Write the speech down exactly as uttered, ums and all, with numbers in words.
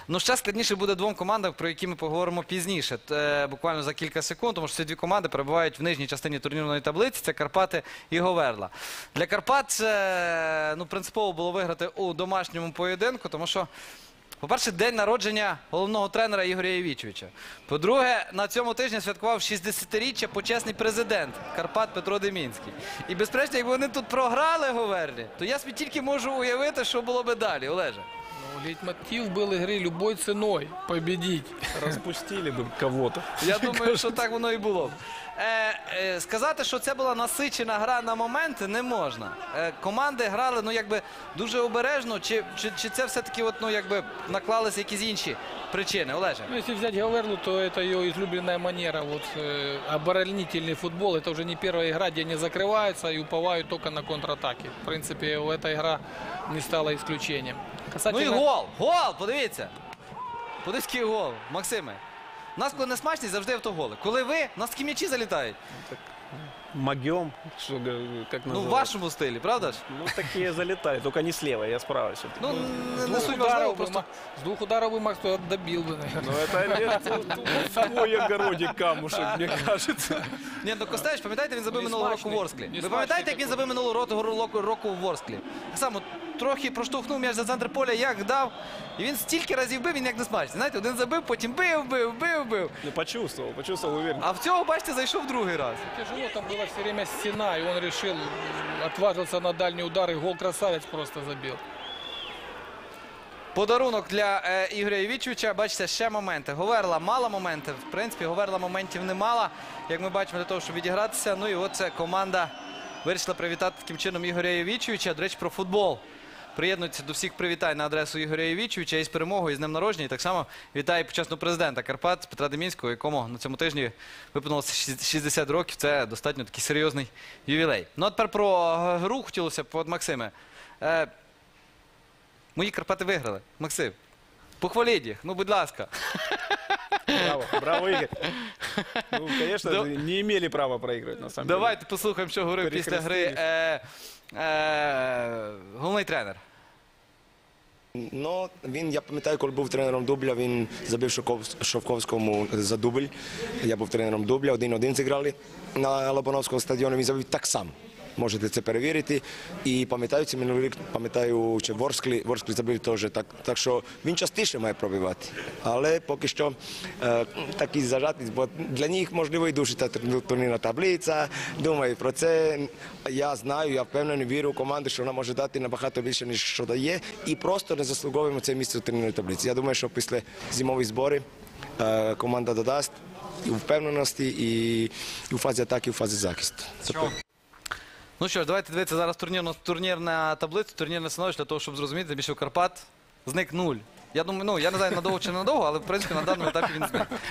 Ну, ще складніше буде двом командам, про які ми поговоримо пізніше, е, буквально за кілька секунд, тому що ці дві команди перебувають в нижній частині турнірної таблиці, це Карпати і Говерла. Для Карпат це, ну, принципово було виграти у домашньому поєдинку, тому що, по-перше, день народження головного тренера Ігоря Євічовича. По-друге, на цьому тижні святкував шістдесятиріччя почесний президент Карпат Петро Демінський. І, безперечно, якби вони тут програли Говерлі, то я собі тільки можу уявити, що було би далі, Олеже. Ну, лейтмотив был игры любой ценой победить. Распустили бы кого-то. Я думаю, що так воно і було. Е, е, сказати, що це була насичена гра на моменти, не можна. Е, команди грали, ну, якби, дуже обережно, чи, чи, чи це все-таки, от, ну, якби, наклалися якісь інші причини, Олеже? Ну, если взять Гаверлу, то это ее излюбленная манера. Вот, э, оборонительный футбол. Это уже не первая игра, где они закрываются и уповают только на контратаки. В принципе, эта игра не стала исключением. Ну і Касательно... гол! Гол! Подивіться! Подивіться, який гол, Максиме. У нас, коли не смачність, завжди автоголи. Коли ви, у нас такі м'ячі залітають. Могем, что, г- как Ну, в называют. вашому стилі, правда ж? Ну, такие залетали, только не слева, я справа все-таки. Ну, не, С не двух суть ударов важливо, бы просто... Ма- С двух ударов бы Макс туда добил бы, наверное. Ну, это твой огородик камушек, мне кажется. Ні, ну Костевич, пам'ятаєте, він забив Не минулого року в смачний. Ворсклі? Не Ви пам'ятаєте, смачний як він такий. забив минулого року, року, року в Ворсклі? Так само, трохи проштовхнув м'яч за центр поля, як дав. І він стільки разів бив, він як не смачний. Знаєте, один забив, потім бив, бив, бив, бив. Ну, почувствовал, почувствовал уверенно. А в цього, бачите, зайшов другий раз. Тяжело, там была все время стена, и он решил, м, отважился на дальний удар, и гол красавец просто забил. Подарунок для е, Ігоря Євічовича. Бачите, ще моменти. Говерла мала моменти. В принципі, Говерла моментів не мала, як ми бачимо, для того, щоб відігратися. Ну і от це команда вирішила привітати таким чином Ігоря Євічовича. До речі, про футбол. Приєднується до всіх привітань на адресу Ігоря Євічовича із перемогою, і з днем народження. І так само вітає почесного президента Карпат Петра Демінського, якому на цьому тижні виповнилося шістдесят років. Це достатньо такий серйозний ювілей. Ну а тепер про гру хотілося б, от, Максиме. Е, Мої Карпати виграли. Максим, похваліть їх, ну, будь ласка. Браво, браво, Игорь. Ну, конечно, Да. не имели права проигрывать, на самом Давайте послухаємо, що говорив після гри е, е, головний тренер. Ну, він, я пам'ятаю, коли був тренером Дубля, він забив Шовков- Шовковському за дубль. Я був тренером Дубля, один-один зіграли на Лобановському стадіоні, він забив так само. Можете це перевірити. І пам'ятаю, це минулий рік, пам'ятаю, чи Ворсклі, Ворсклі забив теж. Так, так що він частіше має пробивати. Але поки що е, такий зажатий, бо для них, можливо, і дуже та турнірна таблиця. Думаю про це. Я знаю, я впевнений, вірю в команду, що вона може дати набагато більше, ніж що дає. І просто не заслуговуємо це місце у турнірній таблиці. Я думаю, що після зимових зборів е, команда додасть і впевненості, і, і у фазі атаки, і у фазі захисту. Ну що ж, давайте дивитися зараз турнірну, турнірна таблиця, турнірне становище, для того, щоб зрозуміти, більше у Карпат зник нуль. Я думаю, ну, я не знаю, надовго чи не надовго, але, в принципі, на даному етапі він зник.